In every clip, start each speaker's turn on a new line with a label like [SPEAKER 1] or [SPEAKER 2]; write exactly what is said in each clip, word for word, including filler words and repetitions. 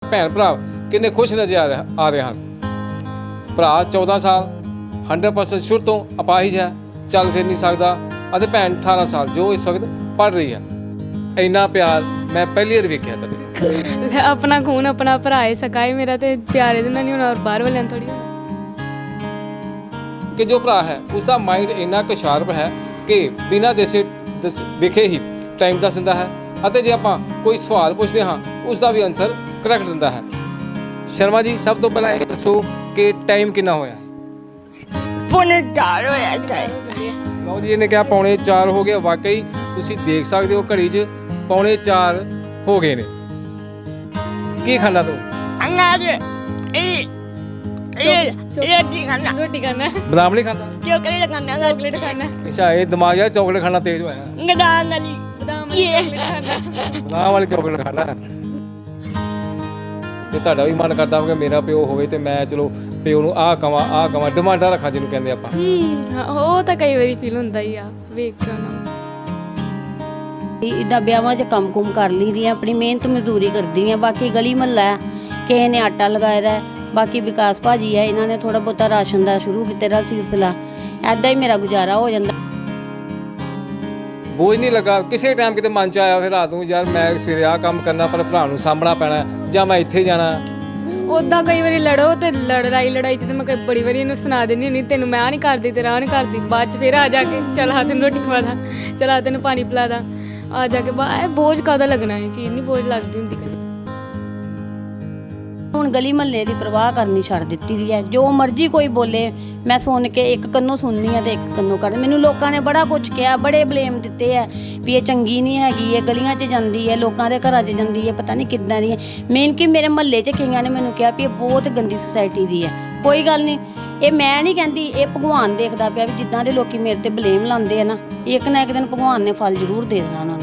[SPEAKER 1] ਭੈਣ ਭਰਾ ਕਿੰਨੇ ਖੁਸ਼ ਨਜ਼ਰ ਆ ਰਹੇ ਆ ਰਹੇ ਹਨ। ਭਰਾ ਚੌਦਾਂ ਸਾਲ हंड्रेड परसेंट शुरू तो अपाहिज है, चल फिर नहीं सकता, ਅਤੇ ਭੈਣ अठारह साल जो इस वक्त पढ़ रही है। ਇੰਨਾ ਪਿਆਰ मैं पहली बार वेख्या ਤੁਹਾਡੇ।
[SPEAKER 2] अपना खून अपना भरा है सका है मेरा, तो प्यार ਇਹਦੇ ਨਾਲ ਨਹੀਂ ਹੋਣਾ और बाहर वाले थोड़ी
[SPEAKER 1] कि जो भरा है उसका माइंड ਇੰਨਾ ਕੁ ਸ਼ਾਰਪ है कि बिना देसे ਵੇਖੇ ਹੀ टाइम दस ਦਿੰਦਾ है, ਅਤੇ ਜੇ ਆਪਾਂ ਕੋਈ ਸਵਾਲ ਪੁੱਛਦੇ ਹਾਂ ਉਸ ਦਾ ਵੀ ਆਨਸਰ ਕਰੈਕਟ ਦਿੰਦਾ ਹੈ। ਸ਼ਰਮਾ ਜੀ ਸਭ ਤੋਂ ਪਹਿਲਾਂ ਇਹ ਦੱਸੋ ਕਿ ਟਾਈਮ ਕਿੰਨਾ ਹੋਇਆ?
[SPEAKER 3] पौने चार होया टाइम।
[SPEAKER 1] ਲਓ ਜੀ ਇਹਨੇ ਕਿਹਾ ਪੌਣੇ ਚਾਰ ਹੋ ਗਏ। ਵਾਕਈ ਤੁਸੀਂ ਦੇਖ ਸਕਦੇ ਹੋ ਘੜੀ 'ਚ ਪੌਣੇ ਚਾਰ ਹੋ ਗਏ ਨੇ। ਕੀ ਖਾਣਾ ਤੂੰ?
[SPEAKER 3] अनाज ए ए रोटी खाना,
[SPEAKER 2] रोटी खाना है,
[SPEAKER 1] ਬਦਾਮ ਨਹੀਂ ਖਾਂਦਾ?
[SPEAKER 3] चॉकलेट खाना,
[SPEAKER 2] चॉकलेट खाना है,
[SPEAKER 1] ਅੱਛਾ ਇਹ ਦਿਮਾਗ ਯਾਰ ਚੌਕਲੇਟ ਖਾਣਾ ਤੇਜ਼ ਹੋਇਆ।
[SPEAKER 3] गदान वाली
[SPEAKER 2] बादाम वाली
[SPEAKER 3] ये
[SPEAKER 2] चॉकलेट खाना।
[SPEAKER 1] ਬਦਾਮ ਵਾਲੀ ਚੌਕਲੇਟ ਖਾਣਾ। ਤੇ ਤੁਹਾਡਾ ਵੀ ਮਨ ਕਰਦਾ ਕਿ ਮੇਰਾ ਪਿਓ ਹੋਵੇ ਤੇ ਮੈਂ ਚਲੋ ਪਿਓ ਨੂੰ ਆਹ ਕਵਾਂ ਆਹ ਕਵਾਂ ਡਿਮਾਂਡਾਂ ਰੱਖਾਂ ਜਿਹਨੂੰ ਕਹਿੰਦੇ ਆਪਾਂ।
[SPEAKER 2] ਹਾਂ ਉਹ ਤਾਂ ਕਈ ਵਾਰੀ ਫੀਲ ਹੁੰਦਾ ਹੀ ਆ ਵੇਖ ਕੇ ਨਾ।
[SPEAKER 4] ਇੱਦਾਂ ਵਿਆਹਾਂ 'ਚ ਕੰਮ ਕੁਮ ਕਰ ਲਈਦੀ ਆ, ਆਪਣੀ ਮਿਹਨਤ ਮਜ਼ਦੂਰੀ ਕਰਦੀ ਆ। ਬਾਕੀ ਗਲੀ ਮਹੱਲਾ ਹੈ, ਕਿਸੇ ਨੇ ਆਟਾ ਲਗਾਇਆ ਦਾ, ਬਾਕੀ ਵਿਕਾਸ ਭਾਜੀ ਹੈ ਇਹਨਾਂ ਨੇ ਥੋੜਾ ਬਹੁਤਾ ਰਾਸ਼ਨ ਦਾ ਸ਼ੁਰੂ ਕੀਤਾ ਦਾ ਸਿਲਸਿਲਾ। ਐਦਾਂ ਹੀ ਮੇਰਾ ਗੁਜ਼ਾਰਾ ਹੋ ਜਾਂਦਾ।
[SPEAKER 1] ਬੋਝ ਨਹੀਂ ਲੱਗਾ ਕਿਸੇ ਟਾਈਮ ਕਿਤੇ ਮਨ 'ਚ ਆਇਆ ਫਿਰ ਰਾਤ ਨੂੰ ਯਾਰ ਮੈਂ ਸਵੇਰੇ ਆਹ ਕੰਮ ਕਰਨਾ ਪਰ ਭਰਾ ਨੂੰ ਸਾਂਭਣਾ ਪੈਣਾ ਜਾਂ ਮੈਂ ਇੱਥੇ ਜਾਣਾ?
[SPEAKER 2] ਉੱਦਾਂ ਕਈ ਵਾਰੀ ਲੜੋ ਤੇ ਲੜਾਈ ਲੜਾਈ 'ਚ ਤੇ ਮੈਂ ਕਈ ਬੜੀ ਵਾਰੀ ਇਹਨੂੰ ਸੁਣਾ ਦਿੰਦੀ ਹੁੰਦੀ ਤੈਨੂੰ ਮੈਂ ਆਹ ਨਹੀਂ ਕਰਦੀ ਤੇਰਾ ਆਹ ਨਹੀਂ ਕਰਦੀ। ਬਾਅਦ 'ਚ ਫਿਰ ਆ ਜਾ ਕੇ ਚੱਲ ਆ ਤੈਨੂੰ ਰੋਟੀ ਖਵਾ ਦਾਂ, ਚੱਲ ਆ ਤੈਨੂੰ ਪਾਣੀ ਪਿਲਾ ਦਾਂ। ਆ ਜਾ ਕੇ ਬਾ ਇਹ ਬੋਝ ਕਾਹਦਾ ਲੱਗਣਾ, ਇਹ ਚੀਜ਼ ਨਹੀਂ ਬੋਝ ਲੱਗਦੀ ਹੁੰਦੀ ਕਦੇ।
[SPEAKER 4] ਹੁਣ ਗਲੀ ਮਹੱਲੇ ਦੀ ਪਰਵਾਹ ਕਰਨੀ ਛੱਡ ਦਿੱਤੀ ਦੀ ਹੈ। ਜੋ ਮਰਜ਼ੀ ਕੋਈ ਬੋਲੇ ਮੈਂ ਸੁਣ ਕੇ ਇੱਕ ਕੰਨੋਂ ਸੁਣਨੀ ਆ ਤੇ ਇੱਕ ਕੰਨੋਂ ਕਰ। ਮੈਨੂੰ ਲੋਕਾਂ ਨੇ ਬੜਾ ਕੁਝ ਕਿਹਾ, ਬੜੇ ਬਲੇਮ ਦਿੱਤੇ ਆ ਵੀ ਇਹ ਚੰਗੀ ਨਹੀਂ ਹੈਗੀ, ਇਹ ਗਲੀਆਂ 'ਚ ਜਾਂਦੀ ਹੈ, ਲੋਕਾਂ ਦੇ ਘਰਾਂ 'ਚ ਜਾਂਦੀ ਹੈ, ਪਤਾ ਨਹੀਂ ਕਿੱਦਾਂ ਦੀ ਹੈ। ਮੇਨ ਕਿ ਮੇਰੇ ਮਹੱਲੇ 'ਚ ਕਈਆਂ ਨੇ ਮੈਨੂੰ ਕਿਹਾ ਵੀ ਇਹ ਬਹੁਤ ਗੰਦੀ ਸੁਸਾਇਟੀ ਦੀ ਹੈ। ਕੋਈ ਗੱਲ ਨਹੀਂ, ਇਹ ਮੈਂ ਨਹੀਂ ਕਹਿੰਦੀ, ਇਹ ਭਗਵਾਨ ਦੇਖਦਾ ਪਿਆ ਵੀ ਜਿੱਦਾਂ ਦੇ ਲੋਕੀ ਮੇਰੇ ਤੇ ਬਲੇਮ ਲਾਉਂਦੇ ਆ ਨਾ, ਇੱਕ ਨਾ ਇੱਕ ਦਿਨ ਭਗਵਾਨ ਨੇ ਫਲ ਜ਼ਰੂਰ ਦੇ ਦੇਣਾ ਉਹਨਾਂ ਨੂੰ।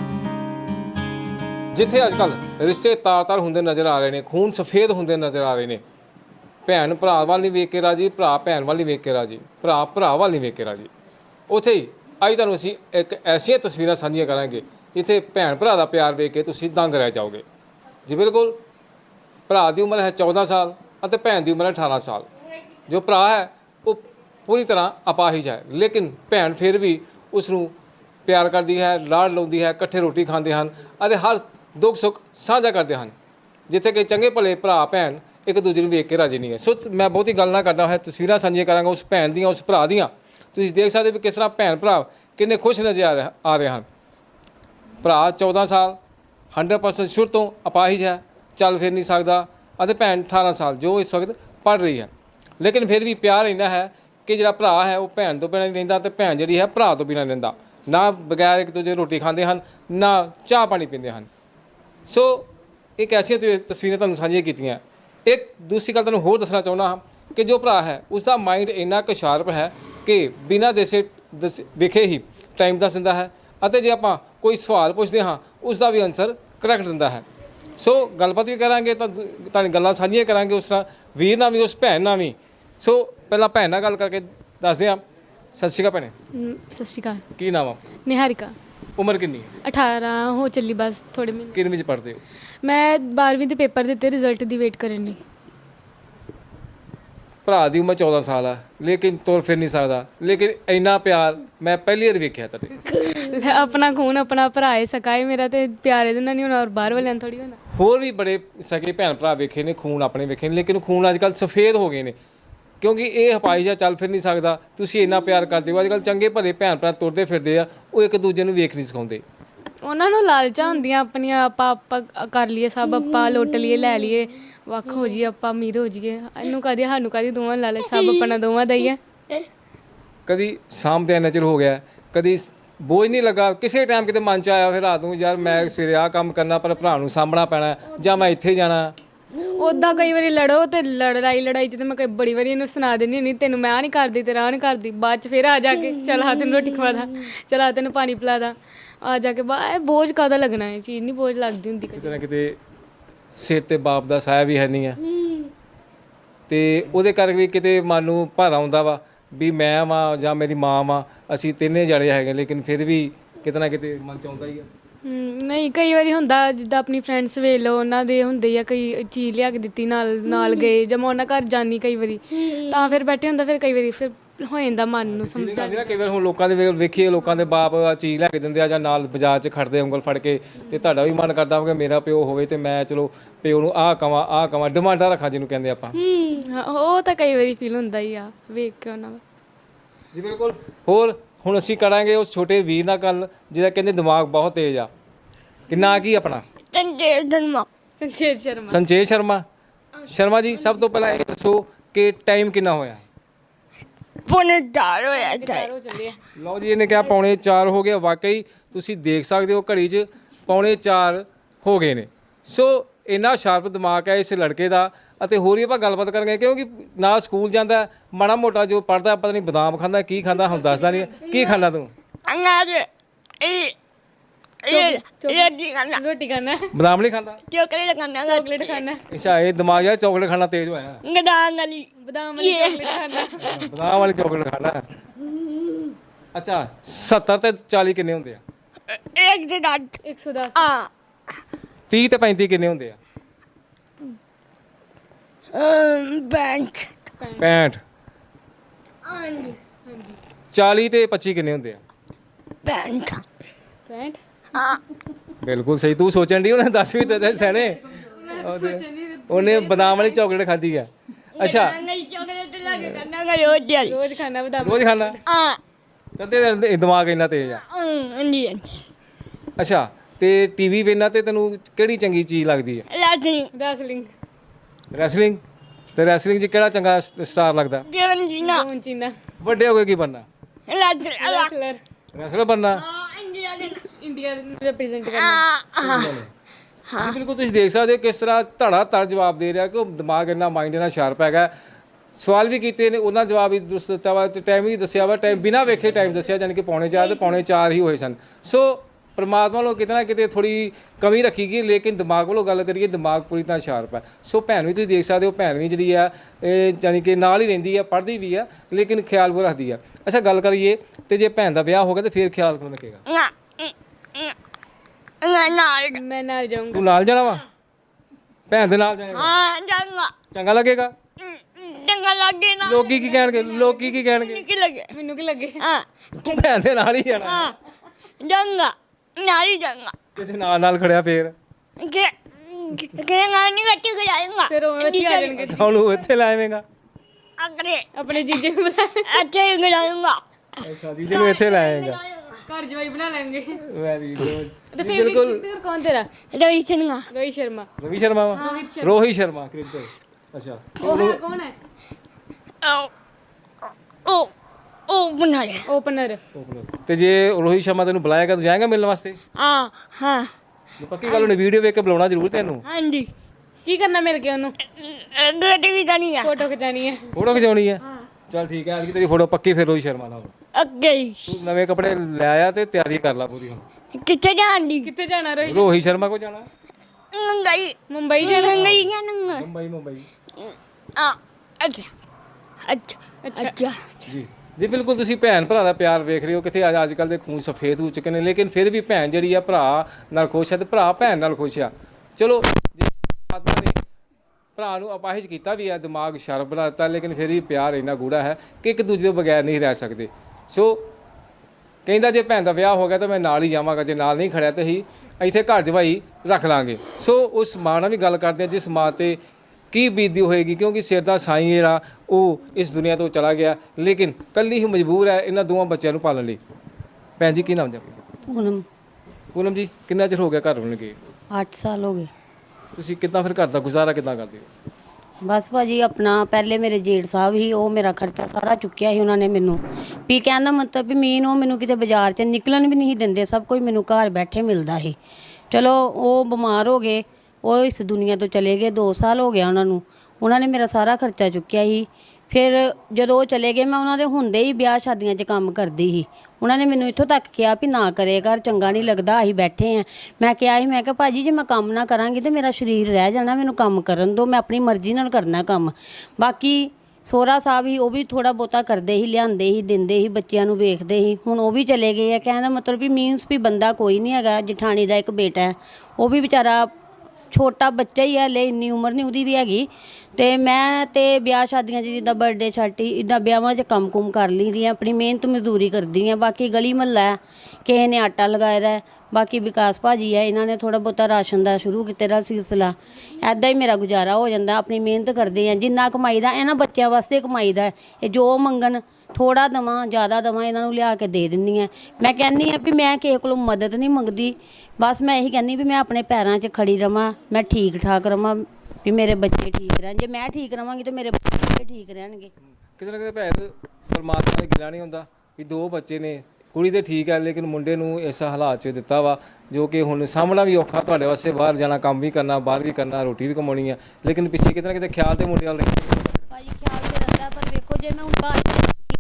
[SPEAKER 1] ਜਿੱਥੇ ਅੱਜ ਕੱਲ੍ਹ ਰਿਸ਼ਤੇ ਤਾਰ-ਤਾਰ ਹੁੰਦੇ ਨਜ਼ਰ ਆ ਰਹੇ ਨੇ, ਖੂਨ ਸਫੇਦ ਹੁੰਦੇ ਨਜ਼ਰ ਆ ਰਹੇ ਨੇ, ਭੈਣ ਭਰਾ ਵੱਲ ਨਹੀਂ ਵੇਖ ਕੇ ਰਾਜੀ, ਭਰਾ ਭੈਣ ਵੱਲ ਨਹੀਂ ਵੇਖ ਕੇ ਰਾਜੀ, ਭਰਾ ਭਰਾ ਵੱਲ ਨਹੀਂ ਵੇਖ ਕੇ ਰਾਜੀ, ਉੱਥੇ ਹੀ ਅੱਜ ਤੁਹਾਨੂੰ ਅਸੀਂ ਇੱਕ ਐਸੀਆਂ ਤਸਵੀਰਾਂ ਸਾਂਝੀਆਂ ਕਰਾਂਗੇ ਜਿੱਥੇ ਭੈਣ ਭਰਾ ਦਾ ਪਿਆਰ ਵੇਖ ਕੇ ਤੁਸੀਂ ਦੰਗ ਰਹਿ ਜਾਓਗੇ। ਜੀ ਬਿਲਕੁਲ, ਭਰਾ ਦੀ ਉਮਰ ਹੈ ਚੌਦਾਂ ਸਾਲ ਅਤੇ ਭੈਣ ਦੀ ਉਮਰ ਹੈ ਅਠਾਰਾਂ ਸਾਲ। ਜੋ ਭਰਾ ਹੈ ਉਹ ਪੂਰੀ ਤਰ੍ਹਾਂ ਅਪਾਹਿਜ ਹੈ, ਲੇਕਿਨ ਭੈਣ ਫਿਰ ਵੀ ਉਸ ਨੂੰ ਪਿਆਰ ਕਰਦੀ ਹੈ, ਲਾਡ ਲਾਉਂਦੀ ਹੈ, ਇਕੱਠੇ ਰੋਟੀ ਖਾਂਦੇ ਹਨ ਅਤੇ ਹਰ ਦੁੱਖ ਸੁੱਖ ਸਾਂਝਾ ਕਰਦੇ ਹਨ। ਜਿੱਥੇ ਕਿ ਚੰਗੇ ਭਲੇ ਭਰਾ ਭੈਣ ਇੱਕ ਦੂਜੇ ਨੂੰ ਵੇਖ ਕੇ ਰਾਜੀ ਨਹੀਂ ਹੈ। ਸੋ ਮੈਂ ਬਹੁਤੀ ਗੱਲ ਨਾ ਕਰਦਾ ਹੋਇਆ ਤਸਵੀਰਾਂ ਸਾਂਝੀਆਂ ਕਰਾਂਗਾ ਉਸ ਭੈਣ ਦੀਆਂ, ਉਸ ਭਰਾ ਦੀਆਂ। ਤੁਸੀਂ ਦੇਖ ਸਕਦੇ ਵੀ ਕਿਸ ਤਰ੍ਹਾਂ ਭੈਣ ਭਰਾ ਕਿੰਨੇ ਖੁਸ਼ ਨਜ਼ਰ ਆ ਰਹੇ ਆ ਰਹੇ ਹਨ। ਭਰਾ ਚੌਦਾਂ ਸਾਲ हंड्रेड परसेंट ਸ਼ੁਰੂ ਤੋਂ ਅਪਾਹਿਜ ਹੈ, ਚੱਲ ਫਿਰ ਨਹੀਂ ਸਕਦਾ, ਅਤੇ ਭੈਣ ਅਠਾਰਾਂ ਸਾਲ ਜੋ ਇਸ ਵਕਤ ਪੜ੍ਹ ਰਹੀ ਹੈ। ਲੇਕਿਨ ਫਿਰ ਵੀ ਪਿਆਰ ਇੰਨਾ ਹੈ ਕਿ ਜਿਹੜਾ ਭਰਾ ਹੈ ਉਹ ਭੈਣ ਤੋਂ ਬਿਨਾਂ ਨਹੀਂ ਰਹਿੰਦਾ ਅਤੇ ਭੈਣ ਜਿਹੜੀ ਹੈ ਭਰਾ ਤੋਂ ਬਿਨਾਂ ਰਹਿੰਦਾ। ਨਾ ਬਗੈਰ ਇੱਕ ਦੂਜੇ ਰੋਟੀ ਖਾਂਦੇ ਹਨ, ਨਾ ਚਾਹ ਪਾਣੀ ਪੀਂਦੇ ਹਨ। ਸੋ ਇੱਕ ਐਸੀਆਂ ਤਸਵੀਰਾਂ ਤੁਹਾਨੂੰ ਸਾਂਝੀਆਂ ਕੀਤੀਆਂ। ਇੱਕ ਦੂਸਰੀ ਗੱਲ ਤੁਹਾਨੂੰ ਹੋਰ ਦੱਸਣਾ ਚਾਹੁੰਦਾ ਹਾਂ ਕਿ ਜੋ ਭਰਾ ਹੈ ਉਸਦਾ ਮਾਈਂਡ ਇੰਨਾ ਕੁ ਸ਼ਾਰਪ ਹੈ ਕਿ ਬਿਨਾਂ ਦੇਸੇ ਵੇਖੇ ਹੀ ਟਾਈਮ ਦੱਸ ਦਿੰਦਾ ਹੈ, ਅਤੇ ਜੇ ਆਪਾਂ ਕੋਈ ਸਵਾਲ ਪੁੱਛਦੇ ਹਾਂ ਉਸ ਦਾ ਵੀ ਆਨਸਰ ਕਰੈਕਟ ਦਿੰਦਾ ਹੈ। ਸੋ ਗੱਲਬਾਤ ਵੀ ਕਰਾਂਗੇ ਤਾਂ ਤੁਹਾਨੂੰ ਗੱਲਾਂ ਸਾਂਝੀਆਂ ਕਰਾਂਗੇ ਉਸ ਤਰ੍ਹਾਂ ਵੀਰ ਨਾਲ ਵੀ ਉਸ ਭੈਣ ਨਾਲ ਵੀ। ਸੋ ਪਹਿਲਾਂ ਭੈਣ ਨਾਲ ਗੱਲ ਕਰਕੇ ਦੱਸਦੇ ਹਾਂ। ਸਤਿ ਸ਼੍ਰੀ ਅਕਾਲ ਭੈਣੇ।
[SPEAKER 2] ਹਮ, ਸਤਿ ਸ਼੍ਰੀ ਅਕਾਲ।
[SPEAKER 1] ਕੀ ਨਾਮ ਆ?
[SPEAKER 2] ਨਿਹਾਰਿਕਾ।
[SPEAKER 1] ਉਮਰ ਕਿੰਨੀ ਹੈ?
[SPEAKER 2] ਅਠਾਰਾਂ ਹੋ ਚੱਲੀ ਬਸ ਥੋੜੇ ਮਹੀਨੇ।
[SPEAKER 1] ਕਿੰਨਵੀਂ ਵਿੱਚ ਪੜ੍ਹਦੇ ਹੋ?
[SPEAKER 2] ਮੈਂ ਬਾਰਵੀਂ ਦੇ ਪੇਪਰ ਦਿੱਤੇ, ਰਿਜ਼ਲਟ ਦੀ ਵੇਟ ਕਰਨ ਦੀ।
[SPEAKER 1] ਭਰਾ ਦੀ ਉਮਰ ਚੌਦਾਂ ਸਾਲ ਆ ਲੇਕਿਨ ਤੁਰ ਫਿਰ ਨਹੀਂ ਸਕਦਾ, ਲੇਕਿਨ ਇੰਨਾ ਪਿਆਰ ਮੈਂ ਪਹਿਲੀ ਵਾਰ ਵੇਖਿਆ ਤੁਹਾਡੇ।
[SPEAKER 2] ਆਪਣਾ ਖੂਨ ਆਪਣਾ ਭਰਾ ਹੈ ਸਕਾ ਹੈ ਮੇਰਾ, ਤੇ ਪਿਆਰ ਇਹਦੇ ਨਾਲ ਨਹੀਂ ਹੋਣਾ और ਬਾਹਰ ਵਾਲਿਆਂ ਥੋੜੀ ਹੋਣਾ।
[SPEAKER 1] ਹੋਰ ਵੀ ਬੜੇ ਸਕੇ ਭੈਣ ਭਰਾ ਵੇਖੇ ਨੇ, ਖੂਨ ਆਪਣੇ ਵੇਖੇ ਨੇ, ਲੇਕਿਨ ਖੂਨ ਅੱਜ ਕੱਲ੍ਹ ਸਫੇਦ ਹੋ ਗਏ ਨੇ ਕਿਉਂਕਿ ਇਹ ਹਪਾਈ ਜਿਹਾ ਚੱਲ ਫਿਰ ਨਹੀਂ ਸਕਦਾ। ਤੁਸੀਂ ਇੰਨਾ ਪਿਆਰ ਕਰਦੇ ਹੋ। ਅੱਜ ਕੱਲ੍ਹ ਚੰਗੇ ਭਲੇ ਭੈਣ ਭਰਾ ਤੁਰਦੇ ਫਿਰਦੇ ਆ, ਉਹ ਇੱਕ ਦੂਜੇ ਨੂੰ ਵੇਖ ਨਹੀਂ ਸਿਖਾਉਂਦੇ।
[SPEAKER 2] ਉਹਨਾਂ ਨੂੰ ਲਾਲਚਾਂ ਹੁੰਦੀਆਂ ਆਪਣੀਆਂ, ਆਪਾਂ ਆਪਾਂ ਕਰ ਲਈਏ ਸਭ, ਆਪਾਂ ਲੁੱਟ ਲਈਏ, ਲੈ ਲਈਏ, ਵੱਖ ਹੋ ਜਾਈਏ, ਆਪਾਂ ਅਮੀਰ ਹੋ ਜਾਈਏ। ਇਹਨੂੰ ਕਦੀ ਸਾਨੂੰ ਕਦੀ ਦੋਵਾਂ ਲਾਲਚ, ਸਭ ਆਪਣਾ ਦੋਵਾਂ ਦਾ ਹੀ ਹੈ।
[SPEAKER 1] ਕਦੀ ਸਾਂਭਦਿਆਂ ਨਜ਼ਰ ਹੋ ਗਿਆ, ਕਦੀ ਬੋਝ ਨਹੀਂ ਲੱਗਾ ਕਿਸੇ ਟਾਈਮ ਕਿਤੇ ਮਨ 'ਚ ਆਇਆ ਫਿਰ ਰਾਤ ਨੂੰ ਯਾਰ ਮੈਂ ਸਵੇਰੇ ਆਹ ਕੰਮ ਕਰਨਾ ਪਰ ਭਰਾ ਨੂੰ ਸਾਂਭਣਾ ਪੈਣਾ ਜਾਂ ਮੈਂ ਇੱਥੇ ਜਾਣਾ।
[SPEAKER 2] ਉੱਦਾਂ ਕਈ ਵਾਰੀ ਲੜੋ ਤੇ ਲੜਾਈ ਲੜਾਈ 'ਚ ਤੇ ਮੈਂ ਕਈ ਬੜੀ ਵਾਰੀ ਇਹਨੂੰ ਸੁਣਾ ਦਿੰਦੀ ਹੁੰਦੀ ਤੈਨੂੰ ਮੈਂ ਆਹ ਨਹੀਂ ਕਰਦੀ ਤੇਰਾ ਆਹ ਨਹੀਂ ਕਰਦੀ। ਬਾਅਦ 'ਚ ਫਿਰ ਆ ਜਾ ਕੇ ਚੱਲ ਆ ਤੈਨੂੰ ਰੋਟੀ ਖਵਾ ਦਾਂ, ਚੱਲ ਆ ਤੈਨੂੰ ਪਾਣੀ ਪਿਲਾ ਦਾਂ। ਆ ਜਾ ਕੇ ਬਾ ਇਹ ਬੋਝ ਕਾਹਦਾ ਲੱਗਣਾ, ਇਹ ਚੀਜ਼ ਨਹੀਂ ਬੋਝ ਲੱਗਦੀ ਹੁੰਦੀ
[SPEAKER 1] ਕਿਤੇ ਨਾ ਕਿਤੇ ਸਿਰ 'ਤੇ ਬਾਪ ਦਾ ਸਾਇਆ ਵੀ ਹੈ ਨਹੀਂ ਆ, ਅਤੇ ਉਹਦੇ ਕਰਕੇ ਵੀ ਕਿਤੇ ਮਨ ਨੂੰ ਭਾਰਾ ਆਉਂਦਾ ਵਾ ਵੀ ਮੈਂ ਵਾਂ ਜਾਂ ਮੇਰੀ ਮਾਂ ਵਾਂ, ਅਸੀਂ ਤਿੰਨੇ ਜਾਣੇ ਹੈਗੇ, ਲੇਕਿਨ ਫਿਰ ਵੀ ਕਿਤੇ ਨਾ ਕਿਤੇ ਮਨ 'ਚ ਆਉਂਦਾ ਹੀ ਆ।
[SPEAKER 2] ਹਮ, ਨਹੀਂ ਕਈ ਵਾਰੀ ਹੁੰਦਾ ਜਿੱਦਾਂ ਆਪਣੀ ਫਰੈਂਡਸ ਵੇਖ ਲਓ ਉਹਨਾਂ ਦੇ ਹੁੰਦੇ ਆ ਕਈ ਚੀਜ਼ ਲਿਆ ਕੇ ਦਿੱਤੀ ਨਾਲ ਨਾਲ ਗਏ ਜਾਂ ਮੈਂ ਉਹਨਾਂ ਘਰ ਜਾਨੀ ਕਈ ਵਾਰੀ ਤਾਂ ਫਿਰ ਬੈਠੇ ਹੁੰਦਾ ਫਿਰ ਕਈ ਵਾਰੀ ਫਿਰ ਹੋ ਜਾਂਦਾ ਮਨ ਨੂੰ ਸਮਝ
[SPEAKER 1] ਜਾਂਦੀ ਨਾ ਕਈ ਵਾਰ ਹੁਣ ਲੋਕਾਂ ਦੇ ਵੇ- ਵੇਖੀਏ ਲੋਕਾਂ ਦੇ ਬਾਪ ਆਹ ਚੀਜ਼ ਲੈ ਕੇ ਦਿੰਦੇ ਆ ਜਾਂ ਨਾਲ ਬਾਜ਼ਾਰ 'ਚ ਖੜਦੇ ਉਂਗਲ ਫੜ ਕੇ ਤੇ ਤੁਹਾਡਾ ਵੀ ਮਨ ਕਰਦਾ ਕਿ ਮੇਰਾ ਪਿਓ ਹੋਵੇ ਤੇ ਮੈਂ ਚਲੋ ਪਿਓ ਨੂੰ ਆਹ ਕਵਾਂ ਆਹ ਕਵਾਂ ਡਿਮਾਂਡਾਂ ਰੱਖਾਂ ਜਿਹਨੂੰ ਕਹਿੰਦੇ ਆਪਾਂ
[SPEAKER 2] ਹਾਂ, ਉਹ ਤਾਂ ਕਈ ਵਾਰੀ ਫੀਲ ਹੁੰਦਾ ਹੀ ਆ ਵੇਖ ਕੇ ਉਹਨਾਂ ਦਾ।
[SPEAKER 1] ਜੀ ਬਿਲਕੁਲ। ਹੋਰ ਹੁਣ ਅਸੀਂ ਕਰਾਂਗੇ ਉਸ ਛੋਟੇ ਵੀਰ ਨਾਲ ਗੱਲ ਜਿਹਦਾ ਕਹਿੰਦੇ ਦਿਮਾਗ ਬਹੁਤ ਤੇਜ਼ ਆ। ਕਿੰਨਾ ਕੀ ਆਪਣਾ?
[SPEAKER 3] ਚੰਦੇ ਜਨਮ
[SPEAKER 2] ਸੰਚੇਤ ਸ਼ਰਮਾ।
[SPEAKER 1] ਸੰਜੇ ਸ਼ਰਮਾ। ਸ਼ਰਮਾ ਜੀ ਸਭ ਤੋਂ ਪਹਿਲਾਂ ਇਹ ਦੱਸੋ ਕਿ ਟਾਈਮ ਕਿੰਨਾ ਹੋਇਆ?
[SPEAKER 3] ਪੌਣੇ ਚਾਰ ਹੋਇਆ ਚਾਹੇ
[SPEAKER 2] ਹੋ ਚੱਲੇ ਆ।
[SPEAKER 1] ਲਓ ਜੀ ਇਹਨੇ ਕਿਹਾ ਪੌਣੇ ਚਾਰ ਹੋ ਗਏ। ਵਾਕਈ ਤੁਸੀਂ ਦੇਖ ਸਕਦੇ ਹੋ ਘੜੀ 'ਚ ਪੌਣੇ ਚਾਰ ਹੋ ਗਏ ਨੇ। ਸੋ ਇੰਨਾ ਸ਼ਾਰਪ ਦਿਮਾਗ ਹੈ ਇਸ ਲੜਕੇ ਦਾ। ਅਤੇ ਹੋਰ ਹੀ ਆਪਾਂ ਗੱਲਬਾਤ ਕਰਾਂਗੇ ਕਿਉਂਕਿ ਨਾ ਸਕੂਲ ਜਾਂਦਾ ਮਾੜਾ ਮੋਟਾ ਜੋ ਪੜਦਾ ਪਤਾ ਨਹੀਂ ਬਦਾਮ ਖਾਂਦਾ ਕੀ ਖਾਂਦਾ ਹੁਣ ਦੱਸਦਾ ਨਹੀਂ ਕੀ ਖਾਂਦਾ ਤੂੰ?
[SPEAKER 3] ਅੰਗਾਜ ਇਹ ਇਹ ਰੋਟੀ ਖਾਣਾ
[SPEAKER 2] ਰੋਟੀ ਖਾਣਾ
[SPEAKER 1] ਬਦਾਮ ਨਹੀਂ ਖਾਂਦਾ?
[SPEAKER 3] ਚੋਕਲੇਟ ਖਾਣਾ
[SPEAKER 2] ਚਾਕਲੇਟ ਖਾਣਾ
[SPEAKER 1] ਅੱਛਾ ਇਹ ਦਿਮਾਗ ਆ ਚਾਕਲੇਟ ਖਾਣਾ ਤੇਜ਼ ਹੋਇਆ।
[SPEAKER 3] ਗਦਾਨ ਵਾਲੀ
[SPEAKER 2] ਬਦਾਮ ਵਾਲੀ ਚਾਕਲੇਟ ਖਾਣਾ
[SPEAKER 1] ਬਦਾਮ ਵਾਲੀ ਚਾਕਲੇਟ ਖਾਣਾ। ਅੱਛਾ ਸੱਤਰ ਤੇ ਚਾਲੀ ਕਿੰਨੇ ਹੁੰਦੇ ਆ?
[SPEAKER 3] ਇੱਕ ਦੇ ਡਾਟ
[SPEAKER 2] ਇੱਕ ਸੌ ਦਸ
[SPEAKER 3] ਆ
[SPEAKER 1] ਤੀਹ ਤੇ ਪੈਂਤੀ ਕਿੰਨੇ ਹੁੰਦੇ ਆ?
[SPEAKER 3] ਬੈਂਚ
[SPEAKER 1] ਪੈਂਹਠ।
[SPEAKER 3] ਹਾਂਜੀ
[SPEAKER 1] ਚਾਲੀ ਤੇ ਪੱਚੀ ਕਿੰਨੇ ਹੁੰਦੇ ਆ?
[SPEAKER 3] ਬੈਂਚ
[SPEAKER 2] ਪੈਂਟ
[SPEAKER 3] ਆ
[SPEAKER 1] ਬਿਲਕੁਲ ਸਹੀ। ਤੂੰ ਸੋਚਣ ਦੀ ਉਹਨੇ ਦੱਸ ਵੀ ਦਿੱਤਾ ਸੈਣੇ ਉਹਨੇ ਬਦਾਮ ਵਾਲੀ ਚਾਕਲੇਟ ਖਾਧੀ ਆ। ਅੱਛਾ
[SPEAKER 3] ਨਹੀਂ ਚੋਕਲੇਟ ਲਾ ਕੇ ਕਰਨਾ ਗਾ ਰੋਟੀ ਵਾਲੀ
[SPEAKER 2] ਰੋਜ਼ ਖਾਣਾ ਬਦਾਮ
[SPEAKER 1] ਰੋਜ਼ ਖਾਣਾ
[SPEAKER 3] ਆ
[SPEAKER 1] ਤਦੇ ਦਿਮਾਗ ਇੰਨਾ ਤੇਜ਼ ਆ।
[SPEAKER 3] ਹਾਂਜੀ ਹਾਂਜੀ
[SPEAKER 1] ਅੱਛਾ ਤੇ ਟੀਵੀ ਵੇਖਣਾ ਤੇ ਤੈਨੂੰ ਕਿਹੜੀ ਚੰਗੀ ਚੀਜ਼ ਲੱਗਦੀ ਹੈ?
[SPEAKER 3] ਲਾਜਨੀ
[SPEAKER 2] ਰੈਸਲਿੰਗ
[SPEAKER 1] ਰੈਸਲਿੰਗ। ਤੇ ਰੈਸਲਿੰਗ 'ਚ ਕਿਹੜਾ ਚੰਗਾ ਸ- ਸਟਾਰ ਲੱਗਦਾ?
[SPEAKER 3] ਜੀਵਨ ਜੀਣਾ
[SPEAKER 2] ਜੋਨ ਚੀਨਾ
[SPEAKER 1] ਵੱਡੇ ਹੋ ਕੇ ਕੀ ਬਣਨਾ?
[SPEAKER 3] ਲਾਜ
[SPEAKER 2] ਰੈਸਲਰ
[SPEAKER 1] ਰੈਸਲਰ ਬਣਨਾ।
[SPEAKER 3] ਇੰਡੀਆ ਦੇ
[SPEAKER 2] ਇੰਡੀਆ ਨੂੰ ਰਿਪਰੈਜ਼ੈਂਟ ਕਰਨਾ।
[SPEAKER 1] ਜੀ ਬਿਲਕੁਲ ਤੁਸੀਂ ਦੇਖ ਸਕਦੇ ਹੋ ਕਿਸ ਤਰ੍ਹਾਂ ਧੜਾ ਧੜ ਜਵਾਬ ਦੇ ਰਿਹਾ ਕਿ ਉਹ ਦਿਮਾਗ ਇੰਨਾ ਮਾਈਂਡ ਇੰਨਾ ਸ਼ਾਰਪ ਹੈਗਾ। ਸਵਾਲ ਵੀ ਕੀਤੇ ਨੇ ਉਹਨਾਂ ਜਵਾਬ ਵੀ ਦੁਰਸਤ ਦਿੱਤਾ ਵਾ ਤੇ ਟਾਈਮ ਵੀ ਦੱਸਿਆ ਵਾ। ਟਾਈਮ ਬਿਨਾਂ ਵੇਖੇ ਟਾਈਮ ਦੱਸਿਆ ਯਾਨੀ ਕਿ ਪੌਣੇ ਚਾਰ ਤੇ ਪੌਣੇ ਚਾਰ ਹੀ ਹੋਏ ਸਨ। ਸੋ ਪਰਮਾਤਮਾ ਵੱਲੋਂ ਕਿਤੇ ਨਾ ਕਿਤੇ ਥੋੜੀ ਕਮੀ ਰੱਖੀ ਗਈ ਲੇਕਿਨ ਦਿਮਾਗ ਵੱਲੋਂ ਗੱਲ ਕਰੀਏ ਦਿਮਾਗ ਪੂਰੀ ਤਰ੍ਹਾਂ ਸ਼ਾਰਪ ਹੈ। ਸੋ ਭੈਣ ਵੀ ਤੁਸੀਂ ਦੇਖ ਸਕਦੇ ਹੋ ਭੈਣ ਵੀ ਜਿਹੜੀ ਆ ਇਹ ਯਾਨੀ ਕਿ ਨਾਲ ਹੀ ਰਹਿੰਦੀ ਆ ਪੜ੍ਹਦੀ ਵੀ ਆ ਲੇਕਿਨ ਖਿਆਲ ਉਹ ਰੱਖਦੀ ਆ। ਅੱਛਾ ਗੱਲ ਕਰੀਏ ਤੇ ਜੇ ਭੈਣ ਦਾ ਵਿਆਹ ਹੋ ਗਿਆ ਤੇ ਫਿਰ ਖਿਆਲ ਕੌਣ ਰੱਖੇਗਾ?
[SPEAKER 3] ਨਾ ਨਾ ਨਾਲ
[SPEAKER 2] ਮੈਂ ਨਾਲ ਜਾਊਂਗਾ।
[SPEAKER 1] ਤੂੰ ਨਾਲ ਜਾਣਾ ਵਾ? ਭੈਣ ਦੇ ਨਾਲ ਜਾਏਗਾ?
[SPEAKER 3] ਹਾਂ ਜਾਂਗਾ
[SPEAKER 1] ਚੰਗਾ ਲੱਗੇਗਾ?
[SPEAKER 3] ਚੰਗਾ ਲੱਗੇ ਨਾ
[SPEAKER 1] ਲੋਕੀ ਕੀ ਕਹਿਣਗੇ? ਲੋਕੀ ਕੀ ਕਹਿਣਗੇ?
[SPEAKER 3] ਕੀ ਲੱਗੇ
[SPEAKER 2] ਮੈਨੂੰ ਕੀ ਲੱਗੇ
[SPEAKER 3] ਹਾਂ
[SPEAKER 1] ਤੂੰ ਭੈਣ ਦੇ ਨਾਲ ਹੀ ਜਾਣਾ?
[SPEAKER 3] ਹਾਂ ਜਾਂਗਾ ਨਾਲ ਹੀ ਜਾਂਗਾ
[SPEAKER 1] ਕਿਸੇ ਨਾਲ ਨਾਲ ਖੜਿਆ ਫੇਰ
[SPEAKER 3] ਕਿ ਕਿ ਨਾ ਨਹੀਂ ਕੱਟੀ ਜਾਏਗਾ
[SPEAKER 2] ਫਿਰ ਉਹ ਇੱਥੇ ਆ ਜਾਣਗੇ
[SPEAKER 1] ਉਹਨੂੰ ਇੱਥੇ ਲਾਵੇਂਗਾ?
[SPEAKER 3] ਅਗਰੇ
[SPEAKER 2] ਆਪਣੇ ਜੀਜੇ ਨੂੰ ਬੁਲਾ
[SPEAKER 3] ਅੱਛੇ ਹੀ ਜਾਏਗਾ
[SPEAKER 1] ਅੱਛਾ ਜੀ ਜਿਹਨੂੰ ਇੱਥੇ ਲਾਏਗਾ।
[SPEAKER 2] ਘਰ ਜਵਾਈ ਬਣਾ ਲੈਣਗੇ।
[SPEAKER 1] Very good.
[SPEAKER 2] ਤੇ ਫੇਵਰਿਟ ਕ੍ਰਿਕਟਰ ਕੌਣ ਤੇਰਾ?
[SPEAKER 3] ਰਵੀ ਸਿੰਘਾ
[SPEAKER 2] ਰੋਹਿਤ ਸ਼ਰਮਾ।
[SPEAKER 1] ਰਵੀ ਸ਼ਰਮਾ ਵਾ? ਰੋਹਿਤ ਸ਼ਰਮਾ ਕ੍ਰਿਕਟਰ। ਅੱਛਾ
[SPEAKER 2] ਉਹ ਹੈ ਕੌਣ ਹੈ?
[SPEAKER 3] ਉਹ ਉਹ ਉਹ ਬਣਾ ਲਿਆ
[SPEAKER 2] ਓਪਨਰ।
[SPEAKER 1] ਤੇ ਜੇ ਰੋਹਿਤ ਸ਼ਰਮਾ ਤੈਨੂੰ ਬੁਲਾਏਗਾ ਤੂੰ ਜਾਏਗਾ ਮਿਲਣ ਵਾਸਤੇ?
[SPEAKER 3] ਹਾਂ ਹਾਂ
[SPEAKER 1] ਪੱਕੀ ਗੱਲ ਉਹਨੇ ਵੀਡੀਓ ਵੇਖ ਕੇ ਬੁਲਾਉਣਾ ਜ਼ਰੂਰ ਤੈਨੂੰ।
[SPEAKER 3] ਹਾਂਜੀ
[SPEAKER 2] ਕੀ ਕਰਨਾ ਮਿਲ ਕੇ ਉਹਨੂੰ?
[SPEAKER 3] ਗੱਡੀ ਵੀ ਜਾਣੀ ਆ
[SPEAKER 2] ਫੋਟੋ ਖਿਚਾਣੀ ਹੈ।
[SPEAKER 1] ਫੋਟੋ ਖਿਚਾਉਣੀ ਹੈ? ਚੱਲ ਠੀਕ ਹੈ ਅੱਜ ਤੇਰੀ ਫੋਟੋ ਪੱਕੀ ਫਿਰ ਰੋਹਿਤ ਸ਼ਰਮਾ ਨਾਲ।
[SPEAKER 3] ਅੱਗੇ ਹੀ
[SPEAKER 1] ਤੂੰ ਨਵੇਂ ਕੱਪੜੇ ਲੈ ਆਇਆ ਤੇ ਤਿਆਰੀ ਕਰ ਲੈ ਪੂਰੀ ਹੁਣ।
[SPEAKER 3] ਕਿੱਥੇ ਜਾਂਦੀ
[SPEAKER 2] ਕਿੱਥੇ ਜਾਣਾ ਰੋਹਿਤ?
[SPEAKER 1] ਰੋਹਿਤ ਸ਼ਰਮਾ ਕੋ ਜਾਣਾ?
[SPEAKER 3] ਗਈ
[SPEAKER 2] ਮੁੰਬਈ ਜਾਣਾ।
[SPEAKER 3] ਗਈ ਜਾਣਾ
[SPEAKER 1] ਮੁੰਬਈ ਮੁੰਬਈ।
[SPEAKER 3] ਆ ਅੱਛਾ ਅੱਛਾ ਅੱਛਾ
[SPEAKER 1] ਜੀ ਜੀ ਬਿਲਕੁਲ ਤੁਸੀਂ ਭੈਣ ਭਰਾ ਦਾ ਪਿਆਰ ਵੇਖ ਰਹੇ ਹੋ ਕਿਤੇ ਅੱਜ ਅੱਜ ਕੱਲ੍ਹ ਦੇ ਖੂਨ ਸਫੇਦ ਹੋ ਚੁੱਕੇ ਨੇ ਲੇਕਿਨ ਫਿਰ ਵੀ ਭੈਣ ਜਿਹੜੀ ਆ ਭਰਾ ਨਾਲ ਖੁਸ਼ ਹੈ ਤੇ ਭਰਾ ਭੈਣ ਨਾਲ ਖੁਸ਼ ਆ। ਚਲੋ ਜੇ ਆਤਮਾ ਨੇ ਭਰਾ ਨੂੰ ਅਪਾਹਿਜ ਕੀਤਾ ਵੀ ਹੈ ਦਿਮਾਗ ਸ਼ਾਰਪ ਬਣਾ ਦਿੱਤਾ ਲੇਕਿਨ ਫਿਰ ਵੀ ਪਿਆਰ ਇੰਨਾ ਗੂੜਾ ਹੈ ਕਿ ਇੱਕ ਦੂਜੇ ਤੋਂ ਬਗੈਰ ਨਹੀਂ ਰਹਿ ਸਕਦੇ। ਸੋ ਕਹਿੰਦਾ ਜੇ ਭੈਣ ਦਾ ਵਿਆਹ ਹੋ ਗਿਆ ਤਾਂ ਮੈਂ ਨਾਲ ਹੀ ਜਾਵਾਂਗਾ ਜੇ ਨਾਲ ਨਹੀਂ ਖੜਿਆ ਤਾਂ ਹੀ ਇੱਥੇ ਘਰ ਜਵਾਈ ਰੱਖ ਲਾਂਗੇ। ਸੋ ਉਸ ਮਾਂ ਨਾਲ ਵੀ ਗੱਲ ਕਰਦੇ ਹਾਂ ਜਿਸ ਮਾਂ 'ਤੇ ਕੀ ਬੀਤਦੀ ਹੋਏਗੀ ਕਿਉਂਕਿ ਸਿਰ ਦਾ ਸਾਈਂ ਜਿਹੜਾ ਉਹ ਇਸ ਦੁਨੀਆ ਤੋਂ ਚਲਾ ਗਿਆ ਲੇਕਿਨ ਇਕੱਲੀ ਹੀ ਮਜਬੂਰ ਹੈ ਇਹਨਾਂ ਦੋਵਾਂ ਬੱਚਿਆਂ ਨੂੰ ਪਾਲਣ ਲਈ। ਭੈਣ ਜੀ ਕੀ ਨਾਮ ਜੀ?
[SPEAKER 4] ਪੂਨਮ।
[SPEAKER 1] ਪੂਨਮ ਜੀ ਕਿੰਨਾ ਚਿਰ ਹੋ ਗਿਆ ਘਰ ਵੱਲ ਗਏ?
[SPEAKER 4] ਅੱਠ ਸਾਲ ਹੋ ਗਏ।
[SPEAKER 1] ਤੁਸੀਂ ਕਿੱਦਾਂ ਫਿਰ ਘਰ ਦਾ ਗੁਜ਼ਾਰਾ ਕਿੱਦਾਂ ਕਰਦੇ ਹੋ?
[SPEAKER 4] ਬਸ ਭਾਜੀ ਆਪਣਾ ਪਹਿਲੇ ਮੇਰੇ ਜੇਠ ਸਾਹਿਬ ਹੀ ਉਹ ਮੇਰਾ ਖਰਚਾ ਸਾਰਾ ਚੁੱਕਿਆ ਸੀ ਉਹਨਾਂ ਨੇ ਮੈਨੂੰ ਵੀ ਕਹਿਣ ਦਾ ਮਤਲਬ ਵੀ ਮੀਨ ਉਹ ਮੈਨੂੰ ਕਿਤੇ ਬਾਜ਼ਾਰ 'ਚ ਨਿਕਲਣ ਵੀ ਨਹੀਂ ਦਿੰਦੇ ਸਭ ਕੁਝ ਮੈਨੂੰ ਘਰ ਬੈਠੇ ਮਿਲਦਾ ਸੀ। ਚਲੋ ਉਹ ਬਿਮਾਰ ਹੋ ਗਏ ਉਹ ਇਸ ਦੁਨੀਆ ਤੋਂ ਚਲੇ ਗਏ ਦੋ ਸਾਲ ਹੋ ਗਿਆ ਉਹਨਾਂ ਨੂੰ। ਉਹਨਾਂ ਨੇ ਮੇਰਾ ਸਾਰਾ ਖਰਚਾ ਚੁੱਕਿਆ ਸੀ। ਫਿਰ ਜਦੋਂ ਉਹ ਚਲੇ ਗਏ ਮੈਂ ਉਹਨਾਂ ਦੇ ਹੁੰਦੇ ਹੀ ਵਿਆਹ ਸ਼ਾਦੀਆਂ 'ਚ ਕੰਮ ਕਰਦੀ ਸੀ। ਉਹਨਾਂ ਨੇ ਮੈਨੂੰ ਇੱਥੋਂ ਤੱਕ ਕਿਹਾ ਵੀ ਨਾ ਕਰੇ ਕਰ ਚੰਗਾ ਨਹੀਂ ਲੱਗਦਾ ਅਸੀਂ ਬੈਠੇ ਹਾਂ। ਮੈਂ ਕਿਹਾ ਸੀ ਮੈਂ ਕਿਹਾ ਭਾਜੀ ਜੇ ਮੈਂ ਕੰਮ ਨਾ ਕਰਾਂਗੀ ਤਾਂ ਮੇਰਾ ਸਰੀਰ ਰਹਿ ਜਾਣਾ ਮੈਨੂੰ ਕੰਮ ਕਰਨ ਦਿਓ ਮੈਂ ਆਪਣੀ ਮਰਜ਼ੀ ਨਾਲ ਕਰਨਾ ਕੰਮ। ਬਾਕੀ ਸੋਹਰਾ ਸਾਹਿਬ ਹੀ ਉਹ ਵੀ ਥੋੜਾ ਬਹੁਤਾ ਕਰਦੇ ਹੀ, ਲਿਆਂਦੇ ਹੀ, ਦਿੰਦੇ ਹੀ, ਬੱਚਿਆਂ ਨੂੰ ਵੇਖਦੇ ਹੀ। ਹੁਣ ਉਹ ਵੀ ਚਲੇ ਗਏ ਆ। ਕਹਿਣ ਦਾ ਮਤਲਬ ਵੀ ਮੀਨਸ ਵੀ ਬੰਦਾ ਕੋਈ ਨਹੀਂ ਹੈਗਾ। ਜਠਾਣੀ ਦਾ ਇੱਕ ਬੇਟਾ ਹੈ, ਉਹ ਵੀ ਵਿਚਾਰਾ ਛੋਟਾ ਬੱਚਾ ਹੀ ਹੈ, ਹਲੇ ਇੰਨੀ ਉਮਰ ਨਹੀਂ ਉਹਦੀ ਵੀ ਹੈਗੀ। ਤੇ ਮੈਂ ਤੇ ਵਿਆਹ ਸ਼ਾਦੀਆਂ 'ਚ ਜਿੱਦਾਂ ਬਰਥਡੇ ਛਾਟੀ ਇੱਦਾਂ ਵਿਆਹਾਂ 'ਚ ਕੰਮ ਕੁਮ ਕਰ ਲਈਦੀ ਆ, ਆਪਣੀ ਮਿਹਨਤ ਮਜ਼ਦੂਰੀ ਕਰਦੀ ਆ। ਬਾਕੀ ਗਲੀ ਮਹੱਲਾ ਹੈ, ਕਿਸੇ ਨੇ ਆਟਾ ਲਗਾਇਆ ਦਾ, ਬਾਕੀ ਵਿਕਾਸ ਭਾਜੀ ਹੈ, ਇਹਨਾਂ ਨੇ ਥੋੜਾ ਬਹੁਤਾ ਰਾਸ਼ਨ ਦਾ ਸ਼ੁਰੂ ਕੀਤੇ ਦਾ ਸਿਲਸਿਲਾ। ਐਦਾਂ ਹੀ ਮੇਰਾ ਗੁਜ਼ਾਰਾ ਹੋ ਜਾਂਦਾ। ਆਪਣੀ ਮਿਹਨਤ ਕਰਦੇ ਆ, ਜਿੰਨਾ ਕਮਾਈਦਾ ਇਹਨਾਂ ਬੱਚਿਆਂ ਵਾਸਤੇ ਕਮਾਈਦਾ। ਇਹ ਜੋ ਮੰਗਣ ਥੋੜਾ ਦਵਾਂ ਜ਼ਿਆਦਾ ਦਵਾਂ, ਇਹਨਾਂ ਨੂੰ ਲਿਆ ਕੇ ਦੇ ਦਿੰਦੀ ਆ। ਮੈਂ ਕਹਿੰਦੀ ਆ ਵੀ ਮੈਂ ਕਿਸੇ ਕੋਲੋਂ ਮਦਦ ਨਹੀਂ ਮੰਗਦੀ, ਬਸ ਮੈਂ ਇਹੀ ਕਹਿੰਦੀ ਵੀ ਮੈਂ ਆਪਣੇ ਪੈਰਾਂ 'ਚ ਖੜੀ ਰਵਾਂ, ਮੈਂ ਠੀਕ ਠਾਕ ਰਵਾਂ, ਵੀ ਮੇਰੇ ਬੱਚੇ ਠੀਕ ਰਹਿਣ। ਜੇ ਮੈਂ ਠੀਕ ਰਵਾਂਗੀ ਤਾਂ ਮੇਰੇ ਬੱਚੇ ਠੀਕ ਰਹਿਣਗੇ।
[SPEAKER 1] ਕਿਤੇ ਨਾ ਕਿਤੇ ਭੈਣ ਪਰਮਾਤਮਾ ਦੀ ਗਿਲਾ ਨਹੀਂ ਹੁੰਦਾ ਵੀ ਦੋ ਬੱਚੇ ਨੇ, ਕੁੜੀ ਤੇ ਠੀਕ ਹੈ ਲੇਕਿਨ ਮੁੰਡੇ ਨੂੰ ਇਸ ਹਾਲਾਤ 'ਚ ਦਿੱਤਾ ਵਾ ਜੋ ਕਿ ਹੁਣ ਸਾਹਮਣਾ ਵੀ ਔਖਾ ਤੁਹਾਡੇ ਵਾਸਤੇ। ਬਾਹਰ ਜਾਣਾ, ਕੰਮ ਵੀ ਕਰਨਾ, ਬਾਹਰ ਵੀ ਕਰਨਾ, ਰੋਟੀ ਵੀ ਕਮਾਉਣੀ ਆ, ਲੇਕਿਨ ਪਿੱਛੇ ਕਿਤੇ ਨਾ ਕਿਤੇ ਖਿਆਲ ਤੇ ਮੁੰਡੇ ਵੱਲ ਰੱਖੀ।
[SPEAKER 4] ਭਾਜੀ ਖਿਆਲ ਤੇ ਰਹਿੰਦਾ, ਪਰ ਵੇਖੋ ਜੇ ਮੈਂ ਹੁਣ ਘਰ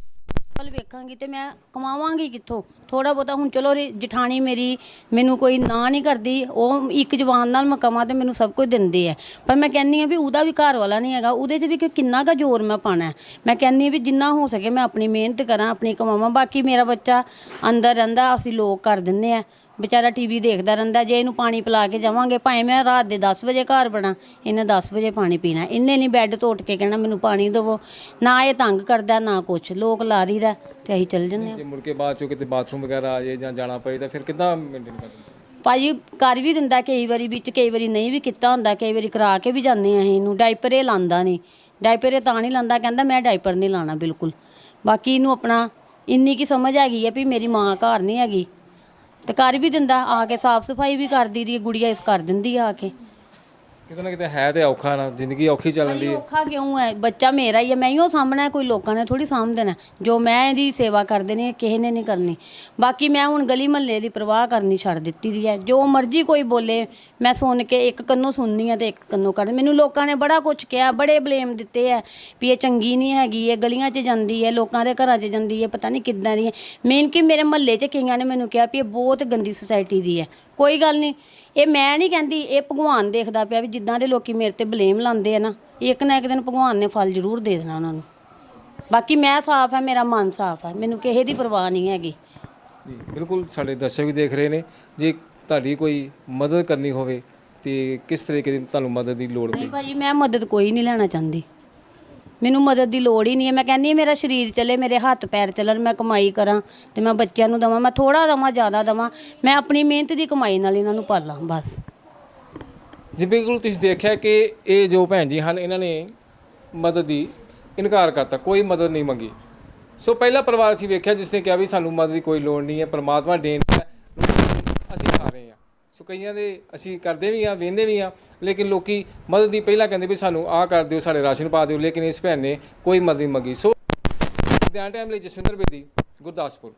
[SPEAKER 4] ਵੱਲ ਵੇਖਾਂਗੀ ਤੇ ਮੈਂ ਕਮਾਵਾਂਗੀ ਕਿੱਥੋਂ? ਥੋੜਾ ਬਹੁਤਾ ਹੁਣ ਚਲੋ ਰੇ- ਜਠਾਣੀ ਮੇਰੀ ਮੈਨੂੰ ਕੋਈ ਨਾ ਨਹੀਂ ਕਰਦੀ, ਉਹ ਇੱਕ ਜਵਾਨ ਨਾਲ ਮੈਂ ਕਮਾਂ ਤੇ ਮੈਨੂੰ ਸਭ ਕੁਝ ਦਿੰਦੇ ਆ। ਪਰ ਮੈਂ ਕਹਿੰਦੀ ਆ ਵੀ ਉਹਦਾ ਵੀ ਘਰ ਵਾਲਾ ਨਹੀਂ ਹੈਗਾ, ਉਹਦੇ 'ਚ ਵੀ ਕਿ ਕਿੰਨਾ ਕੁ ਜ਼ੋਰ ਮੈਂ ਪਾਉਣਾ ਹੈ। ਮੈਂ ਕਹਿੰਦੀ ਆ ਵੀ ਜਿੰਨਾ ਹੋ ਸਕੇ ਮੈਂ ਆਪਣੀ ਮਿਹਨਤ ਕਰਾਂ, ਆਪਣੀ ਕਮਾਵਾਂ। ਬਾਕੀ ਮੇਰਾ ਬੱਚਾ ਅੰਦਰ ਰਹਿੰਦਾ, ਅਸੀਂ ਲੋਕ ਕਰ ਦਿੰਦੇ ਆ, ਵਿਚਾਰਾ ਟੀਵੀ ਦੇਖਦਾ ਰਹਿੰਦਾ। ਜੇ ਇਹਨੂੰ ਪਾਣੀ ਪਿਲਾ ਕੇ ਜਾਵਾਂਗੇ, ਭਾਵੇਂ ਮੈਂ ਰਾਤ ਦੇ ਦਸ ਵਜੇ ਘਰ ਬਣਾ, ਇਹਨੇ ਦਸ ਵਜੇ ਪਾਣੀ ਪੀਣਾ। ਇਹਨੇ ਨਹੀਂ ਬੈੱਡ ਤੋਂ ਉੱਠ ਕੇ ਕਹਿਣਾ ਮੈਨੂੰ ਪਾਣੀ ਦੇਵੋ। ਨਾ ਇਹ ਤੰਗ ਕਰਦਾ ਨਾ ਕੁਛ, ਲੋਕ ਲਾਰੀ ਦਾ ਤੇ ਅਸੀਂ ਚੱਲ ਜੰਨੇ ਆ।
[SPEAKER 1] ਜੇ ਮੁੜ ਕੇ ਬਾਅਦ ਚੋਂ ਕਿਤੇ ਬਾਥਰੂਮ ਵਗੈਰਾ ਆ ਜਾਏ ਜਾਂ ਜਾਣਾ ਪਏ ਤਾਂ ਫਿਰ ਕਿੱਦਾਂ ਮੇਨਟੇਨ ਕਰਦੇ?
[SPEAKER 4] ਭਾਜੀ ਕਰ ਵੀ ਦਿੰਦਾ ਕਈ ਵਾਰੀ, ਵਿੱਚ ਕਈ ਵਾਰੀ ਨਹੀਂ ਵੀ ਕੀਤਾ ਹੁੰਦਾ, ਕਈ ਵਾਰੀ ਕਰਾ ਕੇ ਵੀ ਜਾਂਦੇ ਆ ਅਸੀਂ ਇਹਨੂੰ। ਡਾਈਪਰ ਇਹ ਲਾਉਂਦਾ ਨਹੀਂ, ਡਾਈਪਰ ਇਹ ਤਾਂ ਨਹੀਂ ਲਾਉਂਦਾ, ਕਹਿੰਦਾ ਮੈਂ ਡਾਈਪਰ ਨਹੀਂ ਲਾਣਾ ਬਿਲਕੁਲ। ਬਾਕੀ ਇਹਨੂੰ ਆਪਣਾ ਇੰਨੀ ਕੀ ਸਮਝ ਹੈਗੀ ਆ ਵੀ ਮੇਰੀ ਮਾਂ ਘਰ ਨਹੀਂ ਹੈਗੀ, ਤੇ ਕਰ ਵੀ ਦਿੰਦਾ। ਆ ਕੇ ਸਾਫ਼ ਸਫਾਈ ਵੀ ਕਰ ਦੀ ਦੀ ਗੁੜੀਆ, ਇਸ ਕਰ ਦਿੰਦੀ ਆ ਕੇ।
[SPEAKER 1] ਕਿਤੇ ਨਾ ਕਿਤੇ ਹੈ ਤੇ ਔਖਾ ਨਾ, ਜ਼ਿੰਦਗੀ ਔਖੀ ਚੱਲਣ ਦੀ
[SPEAKER 4] ਭਾਈ
[SPEAKER 1] ਹੈ।
[SPEAKER 4] ਔਖਾ ਕਿਉਂ ਹੈ? ਬੱਚਾ ਮੇਰਾ ਹੀ ਹੈ, ਮੈਂ ਹੀ ਉਹ ਸਾਹਮਣਾ, ਕੋਈ ਲੋਕਾਂ ਨੇ ਥੋੜੀ ਸਾਂਭ ਦੇਣਾ। ਜੋ ਮੈਂ ਇਹਦੀ ਸੇਵਾ ਕਰ ਦੇਣੀ ਹੈ, ਕਿਸੇ ਨੇ ਨਹੀਂ ਕਰਨੀ। ਬਾਕੀ ਮੈਂ ਹੁਣ ਗਲੀ ਮਹੱਲੇ ਦੀ ਪਰਵਾਹ ਕਰਨੀ ਛੱਡ ਦਿੱਤੀ ਦੀ ਹੈ। ਜੋ ਮਰਜ਼ੀ ਕੋਈ ਬੋਲੇ ਮੈਂ ਸੁਣ ਕੇ ਇੱਕ ਕੰਨੋਂ ਸੁਣਨੀ ਆ ਤੇ ਇੱਕ ਕੰਨੋਂ ਕੱਢ। ਮੈਨੂੰ ਲੋਕਾਂ ਨੇ ਬੜਾ ਕੁਝ ਕਿਹਾ, ਬੜੇ ਬਲੇਮ ਦਿੱਤੇ ਆ ਵੀ ਇਹ ਚੰਗੀ ਨਹੀਂ ਹੈਗੀ, ਇਹ ਗਲੀਆਂ 'ਚ ਜਾਂਦੀ ਹੈ, ਲੋਕਾਂ ਦੇ ਘਰਾਂ 'ਚ ਜਾਂਦੀ ਹੈ, ਪਤਾ ਨਹੀਂ ਕਿੱਦਾਂ ਦੀ ਹੈ। ਮੇਨ ਕਿ ਮੇਰੇ ਮਹੱਲੇ 'ਚ ਕਈਆਂ ਨੇ ਮੈਨੂੰ ਕਿਹਾ ਵੀ ਇਹ ਬਹੁਤ ਗੰਦੀ ਸੁਸਾਇਟੀ ਦੀ ਹੈ। ਕੋਈ ਗੱਲ ਨਹੀਂ, ਇਹ ਮੈਂ ਨਹੀਂ ਕਹਿੰਦੀ, ਇਹ ਭਗਵਾਨ ਦੇਖਦਾ ਪਿਆ ਵੀ ਜਿੱਦਾਂ ਦੇ ਲੋਕੀ ਮੇਰੇ ਤੇ ਬਲੇਮ ਲਾਉਂਦੇ ਆ ਨਾ, ਇੱਕ ਨਾ ਇੱਕ ਦਿਨ ਭਗਵਾਨ ਨੇ ਫਲ ਜ਼ਰੂਰ ਦੇ ਦੇਣਾ ਉਹਨਾਂ ਨੂੰ। ਬਾਕੀ ਮੈਂ ਸਾਫ਼ ਹੈ, ਮੇਰਾ ਮਨ ਸਾਫ਼ ਹੈ, ਮੈਨੂੰ ਕਿਸੇ ਦੀ ਪਰਵਾਹ ਨਹੀਂ ਹੈਗੀ।
[SPEAKER 1] ਜੀ ਬਿਲਕੁਲ, ਸਾਡੇ ਦਰਸ਼ਕ ਵੀ ਦੇਖ ਰਹੇ ਨੇ। ਜੇ ਤੁਹਾਡੀ ਕੋਈ ਮਦਦ ਕਰਨੀ ਹੋਵੇ ਤੇ ਕਿਸ ਤਰੀਕੇ ਦੀ ਤੁਹਾਨੂੰ ਮਦਦ ਦੀ ਲੋੜ
[SPEAKER 4] ਨਹੀਂ
[SPEAKER 1] ਪਈ?
[SPEAKER 4] ਭਾਜੀ ਮੈਂ ਮਦਦ ਕੋਈ ਨਹੀਂ ਲੈਣਾ ਚਾਹੁੰਦੀ, ਮੈਨੂੰ ਮਦਦ ਦੀ ਲੋੜ ਹੀ ਨਹੀਂ ਹੈ। ਮੈਂ ਕਹਿੰਦੀ ਹਾਂ ਮੇਰਾ ਸਰੀਰ ਚੱਲੇ, ਮੇਰੇ ਹੱਥ ਪੈਰ ਚੱਲਣ, ਮੈਂ ਕਮਾਈ ਕਰਾਂ ਤੇ ਮੈਂ ਬੱਚਿਆਂ ਨੂੰ ਦੇਵਾਂ। ਮੈਂ ਥੋੜਾ ਦੇਵਾਂ ਜ਼ਿਆਦਾ ਦੇਵਾਂ, ਮੈਂ ਆਪਣੀ ਮਿਹਨਤ ਦੀ ਕਮਾਈ ਨਾਲ ਇਹਨਾਂ ਨੂੰ ਪਾਲਾਂ ਬਸ।
[SPEAKER 1] ਜੀ ਬਿਲਕੁਲ, ਤੁਸੀਂ ਦੇਖਿਆ ਕਿ ਇਹ ਜੋ ਭੈਣ ਜੀ ਹਨ, ਇਹਨਾਂ ਨੇ ਮਦਦ ਦੀ ਇਨਕਾਰ ਕਰਤਾ, ਕੋਈ ਮਦਦ ਨਹੀਂ ਮੰਗੀ। ਸੋ ਪਹਿਲਾ ਪਰਿਵਾਰ ਅਸੀਂ ਵੇਖਿਆ ਜਿਸ ਨੇ ਕਿਹਾ ਵੀ ਸਾਨੂੰ ਮਦਦ ਦੀ ਕੋਈ ਲੋੜ ਨਹੀਂ ਹੈ, ਪਰਮਾਤਮਾ ਦੇਣ ਹੈ, ਅਸੀਂ ਖਾ ਰਹੇ ਹਾਂ। ਸੋ ਕਈਆਂ ਦੇ ਅਸੀਂ ਕਰਦੇ ਵੀ ਹਾਂ, ਵੇਂਦੇ ਵੀ ਹਾਂ, ਲੇਕਿਨ ਲੋਕੀ ਮਦਦ ਦੀ ਪਹਿਲਾਂ ਕਹਿੰਦੇ ਵੀ ਸਾਨੂੰ ਆਹ ਕਰ ਦਿਓ, ਸਾਡੇ ਰਾਸ਼ਨ ਪਾ ਦਿਓ, ਲੇਕਿਨ ਇਸ ਭੈਣ ਨੇ ਕੋਈ ਮਦਦ ਨਹੀਂ ਮੰਗੀ। ਸੋ ਲੁਧਿਆਣਾ ਟਾਈਮ ਲਈ ਜਸਵਿੰਦਰ ਬੇਦੀ, ਗੁਰਦਾਸਪੁਰ।